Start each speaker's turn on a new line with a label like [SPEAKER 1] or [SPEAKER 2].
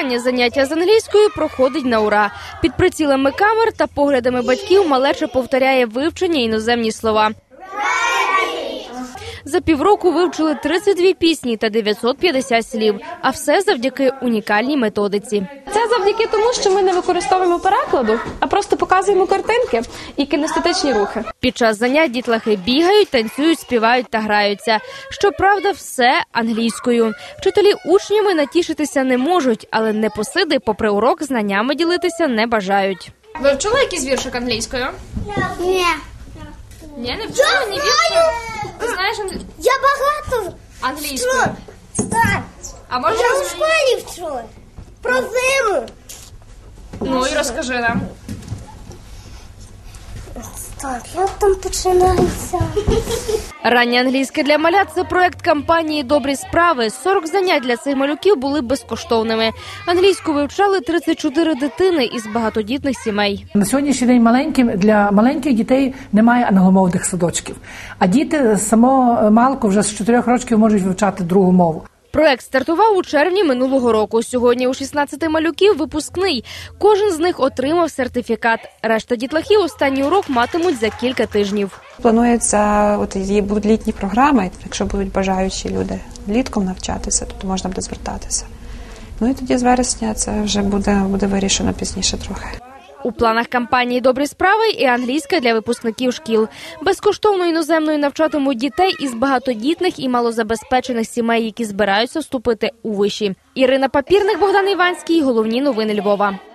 [SPEAKER 1] Останнє заняття з англійською проходить на ура. Під прицілами камер та поглядами батьків малеча повторяє вивчені іноземні слова. За півроку вивчили 32 пісні та 950 слів. А все завдяки унікальній методиці.
[SPEAKER 2] Це завдяки тому, що ми не використовуємо перекладу, а просто показуємо картинки і кінестетичні рухи.
[SPEAKER 1] Під час занять дітлахи бігають, танцюють, співають та граються. Щоправда, все англійською. Вчителі учнями натішитися не можуть, але непосиди, попри урок, знаннями ділитися не бажають.
[SPEAKER 3] Ви вчили якийсь віршик англійською?
[SPEAKER 4] Ні.
[SPEAKER 3] Ні, не вчила ні віршик? Ти знаєш
[SPEAKER 4] Я багато
[SPEAKER 3] англійською?
[SPEAKER 4] Так.
[SPEAKER 3] А можеш
[SPEAKER 4] Я у школі вчу. Про зиму.
[SPEAKER 3] Ну і розкажи нам.
[SPEAKER 4] Так, як там починається?
[SPEAKER 1] Раннє англійське для малят – це проект кампанії «Добрі справи». 40 занять для цих малюків були безкоштовними. Англійську вивчали 34 дитини із багатодітних сімей.
[SPEAKER 5] На сьогоднішній день для маленьких дітей немає англомовних садочків. А діти само малку вже з 4 років можуть вивчати другу мову.
[SPEAKER 1] Проект стартував у червні минулого року. Сьогодні у 16 малюків випускний. Кожен з них отримав сертифікат. Решта дітлахів останній урок матимуть за кілька тижнів.
[SPEAKER 6] Планується, будуть літні програми, якщо будуть бажаючі люди влітком навчатися, то можна буде звертатися. Ну і тоді з вересня це вже буде вирішено пізніше трохи.
[SPEAKER 1] У планах кампанії «Добрі справи» і англійська для випускників шкіл. Безкоштовно іноземною навчатимуть дітей із багатодітних і малозабезпечених сімей, які збираються вступити у виші. Ірина Папірник, Богдан Іванський. Головні новини Львова.